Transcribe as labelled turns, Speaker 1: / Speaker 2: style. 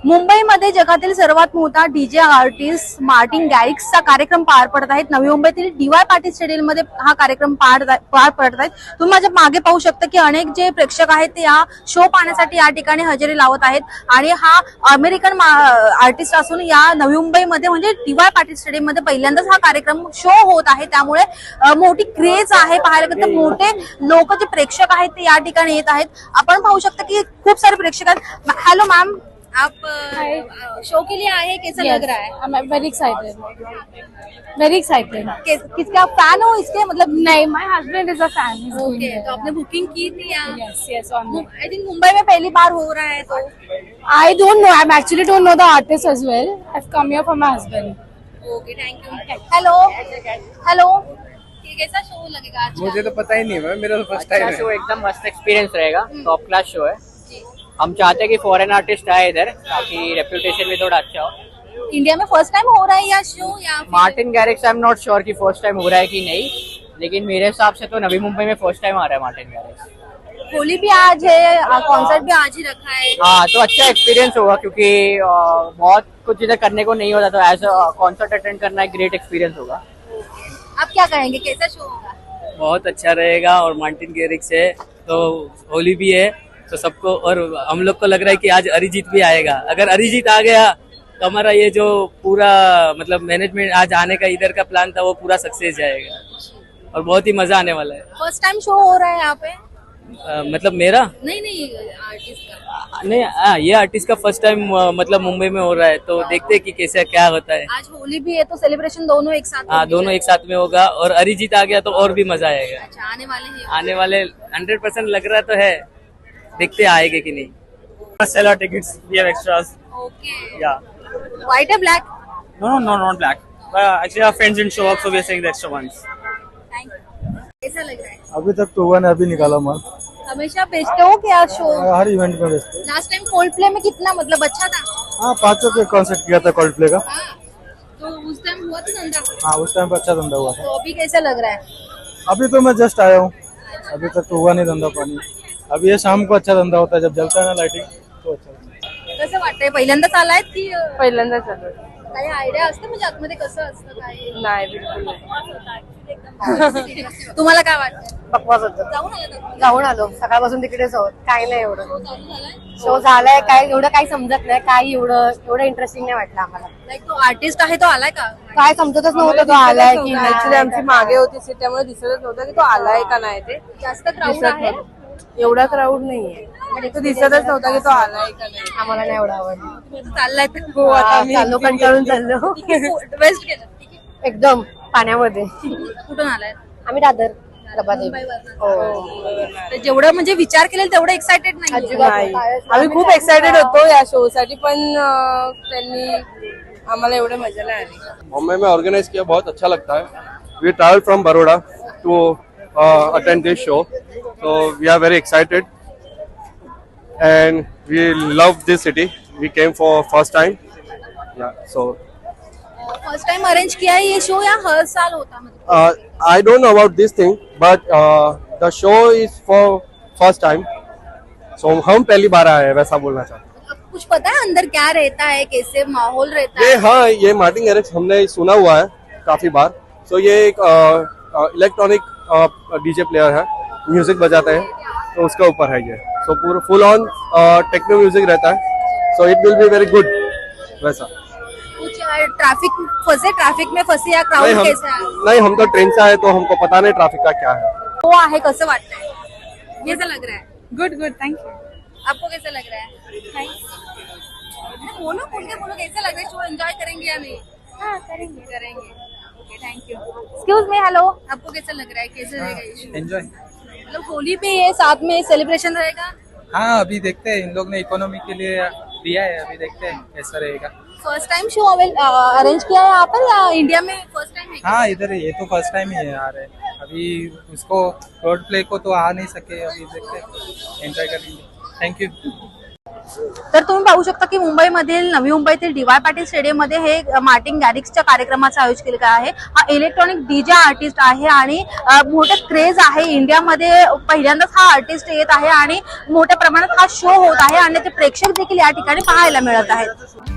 Speaker 1: मुंबईमध्ये जगातील सर्वात मोठा डीजे आर्टिस्ट मार्टिन गॅरिक्सचा कार्यक्रम पार पडत आहेत. नवी मुंबईतील DY पाटील स्टेडियम मध्ये हा कार्यक्रम पार पडत आहेत. तुम्ही माझ्या मागे पाहू शकता की अनेक जे प्रेक्षक आहेत ते या शो पाहण्यासाठी या ठिकाणी हजेरी लावत आहेत आणि हा अमेरिकन आर्टिस्ट असून या नवी मुंबईमध्ये म्हणजे DY पाटील स्टेडियम मध्ये पहिल्यांदाच हा कार्यक्रम शो होत आहे. त्यामुळे मोठी क्रेज आहे. पाहायला गेलं तर मोठे लोक जे प्रेक्षक आहेत ते या ठिकाणी येत आहेत. आपण पाहू शकता की खूप सारे प्रेक्षक आहेत. हॅलो मॅम, आप शो के लिए आए, कैसा लग रहा है?
Speaker 2: I'm very excited. Very excited.
Speaker 1: किसका फैन हो इसके, मतलब?
Speaker 2: नहीं, my husband is a fan. He's doing
Speaker 1: okay,
Speaker 2: it.
Speaker 1: तो आपने बुकिंग की थी या?
Speaker 2: Yes, on it.
Speaker 1: I think Mumbai में पहली बार हो रहा है तो
Speaker 2: I don't know. I actually don't know the artist as well. I've come here for my husband.
Speaker 1: Okay, thank you. Hello hello, ये कैसा शो लगेगा आज का?
Speaker 3: मुझे तो पता ही नहीं है, मेरा तो फर्स्ट टाइम
Speaker 4: अच्छा
Speaker 3: है।
Speaker 4: शो, एकदम मस्त एक्सपीरियंस रहेगा। टॉप क्लास शो है। हम चाहते हैं कि फॉरेन आर्टिस्ट आए इधर ताकि रेप्यूटेशन भी थोड़ा अच्छा हो।
Speaker 1: इंडिया में फर्स्ट टाइम हो रहा है या शो या
Speaker 4: Martin Garrix I am not sure कि फर्स्ट टाइम हो रहा है कि नहीं, लेकिन मेरे हिसाब से तो नवी मुंबई में फर्स्ट टाइम आ रहा है मार्टिन गैरिक्स।
Speaker 1: होली भी आज है, कॉन्सर्ट भी आज ही रखा है।
Speaker 4: हाँ, तो अच्छा एक्सपीरियंस होगा क्योंकि बहुत कुछ इधर करने को नहीं होता, तो एज कॉन्सर्ट अटेंड करना एक ग्रेट एक्सपीरियंस होगा।
Speaker 1: आप क्या कहेंगे, कैसा शो होगा?
Speaker 3: बहुत अच्छा रहेगा और मार्टिन गैरिक्स है तो होली भी है तो सबको, और हम लोग को लग रहा है कि आज अरिजीत भी आएगा। अगर अरिजीत आ गया तो हमारा ये जो पूरा मतलब मैनेजमेंट आज आने का इधर का प्लान था वो पूरा सक्सेस जाएगा और बहुत ही मजा आने वाला है।
Speaker 1: फर्स्ट टाइम शो हो रहा है यहाँ पे?
Speaker 3: मतलब मेरा
Speaker 1: नहीं, आर्टिस्ट का।
Speaker 3: नहीं, ये आर्टिस्ट का फर्स्ट टाइम मतलब मुंबई में हो रहा है, तो देखते हैं कि कैसे क्या होता है।
Speaker 1: आज होली भी है तो सेलिब्रेशन दोनों एक साथ
Speaker 3: हाँ,
Speaker 1: होगी
Speaker 3: दोनों एक साथ में होगा और अरिजीत आ गया तो और भी मजा आएगा।
Speaker 1: अच्छा, आने वाले हैं।
Speaker 3: आने वाले 100% लग रहा तो है, देखते आएंगे कि नहीं। Sell our tickets. We have extras.
Speaker 1: Okay,
Speaker 3: Yeah.
Speaker 1: White है black?
Speaker 3: No, not black. Actually, our friends didn't show up, so we are saying the extra ones.
Speaker 1: Thank you. कैसा लग रहा है?
Speaker 5: अभी तक तो हुआ नहीं, अभी निकाला माल।
Speaker 1: हमेशा बेचते हो क्या शो?
Speaker 5: हर इवेंट में बेचते हैं।
Speaker 1: लास्ट टाइम कोल्ड प्ले में कितना मतलब अच्छा था?
Speaker 5: हाँ, 500 के कॉन्सर्ट किया था कोल्ड प्ले का।
Speaker 1: हाँ, तो उस टाइम हुआ था धंधा?
Speaker 5: हाँ, उस टाइम पर अच्छा धंधा हुआ था।
Speaker 1: तो अभी कैसा लग रहा है?
Speaker 5: अभी तो मैं जस्ट आया हूँ, अभी तक तो हुआ नहीं धंधा पानी। अभी ये शाम को अच्छा धंधा होता है, जब जलता है ना लाइटिंग तो अच्छा होता है।
Speaker 1: कसं वाटतंय, पहिल्यांदाच आलाय की
Speaker 2: पहिल्यांदा चालू आहे.
Speaker 1: काही आयडिया असते म्हणजे आतमध्ये कसं असतं काय?
Speaker 2: नाही, बिलकुल नाही.
Speaker 1: तुम्हाला काय वाटतं?
Speaker 6: बकवास होतं.
Speaker 1: जाऊन आला का?
Speaker 6: जाऊन आलो, सकाळपासून तिकडेच आहोत. काय नाही एवढं
Speaker 1: शो चालू झालाय?
Speaker 6: शो झालाय, काय एवढं काही समजत नाही, काही एवढं इंटरेस्टिंग नाही वाटलं आम्हाला.
Speaker 1: लाईक तो आर्टिस्ट आहे तो आलाय का?
Speaker 6: काय समजतच नव्हतं तो आलाय की
Speaker 2: ऍक्च्युली आमची मागे होती सीट, त्यामुळे दिसतच नव्हतं की तो आलाय का नाही. ते
Speaker 1: जास्त क्राऊड
Speaker 2: दिसत
Speaker 1: आहे?
Speaker 2: नाही. एवढा क्राऊड नाहीये, तो दिसतच नव्हता की तो आलाय का नाही.
Speaker 6: आम्हाला नाही एवढं आवडलं.
Speaker 1: चाललाय तर
Speaker 2: हो, आता आम्ही
Speaker 6: चाललो, कंटाळून चाललो
Speaker 1: वेस्ट केलं.
Speaker 6: एकदम पाण्यामध्ये.
Speaker 1: कुठून आलाय?
Speaker 6: आम्ही दादर प्रभादेवी.
Speaker 1: मुंबईवरनं.
Speaker 6: हो,
Speaker 1: तर जेवढं म्हणजे विचार केलेला तेवढं एक्साइटेड नाही.
Speaker 6: अजिबात
Speaker 2: नाही.
Speaker 6: नाही.
Speaker 2: आम्ही खूप एक्साइटेड होतो या शो साठी, पण त्यांनी आम्हाला एवढं मजा नाही आली.
Speaker 7: मुंबई में ऑर्गेनाइज किया, बहुत अच्छा लगता है। We travel from Baroda to attend this show, so we are very excited and we love this city. We came for first time. Yeah, so
Speaker 1: first time arrange किया है ये शो या हर साल होता मतलब?
Speaker 7: I don't know about this thing, but the show is for first time. So हम पहली बार आए हैं, वैसा बोलना चाहते हैं।
Speaker 1: अब कुछ पता है अंदर क्या रहता है, कैसे माहौल रहता
Speaker 7: ये
Speaker 1: है?
Speaker 7: हाँ, ये मार्टिन गैरिक्स हमने सुना हुआ है काफी बार। सो ये एक इलेक्ट्रॉनिक डीजे प्लेयर है, म्यूजिक बजाते हैं, तो उसके ऊपर है ये। सो पूरा फुल ऑन टेक्नो म्यूजिक रहता है, so it will be very good. वैसा
Speaker 1: कुछ ट्रैफिक में फंसे या
Speaker 7: नहीं,
Speaker 1: क्राउड कैसा है?
Speaker 7: नहीं, हम तो ट्रेन से आए तो हमको पता नहीं ट्रैफिक का क्या है।
Speaker 1: वो आहे कसं वाटतंय? कैसा लग रहा है?
Speaker 2: Good thank you.
Speaker 1: आपको कैसा लग रहा है? बोलो, बोल के बोलो, कैसा लग रहा है शो? एंजॉय करेंगे या नहीं? हाँ, करेंगे। Okay, thank you. Excuse me, hello. आपको कैसा लग रहा है, कैसे रहेगा ये शो?
Speaker 3: एंजॉय।
Speaker 1: मतलब होली पे ये साथ में सेलिब्रेशन रहेगा?
Speaker 3: हाँ, अभी देखते हैं, इन लोग ने इकोनॉमी के लिए दिया है, अभी देखते हैं कैसा रहेगा।
Speaker 1: फर्स्ट टाइम शो अरेंज किया है यहाँ पर या इंडिया में फर्स्ट टाइम है?
Speaker 3: हाँ, इधर ये तो फर्स्ट टाइम ही है आ रहे। अभी उसको रोड प्ले को तो आ नहीं सके, अभी देखते हैं, एंजॉय करेंगे। Thank you.
Speaker 1: तर तुम्ही पाहू शकता की मुंबईमधील नवी मुंबईतील डी वाय पाटील स्टेडियम मध्ये हे मार्टिन गॅरिक्सच्या कार्यक्रमाचं आयोजन केलं आहे. हा इलेक्ट्रॉनिक डीजे आर्टिस्ट आहे आणि मोठे क्रेज आहे. इंडियामध्ये पहिल्यांदाच हा आर्टिस्ट येत आहे आणि मोठ्या प्रमाणात हा शो होत आहे आणि ते प्रेक्षक देखील या ठिकाणी पाहायला मिळत आहेत.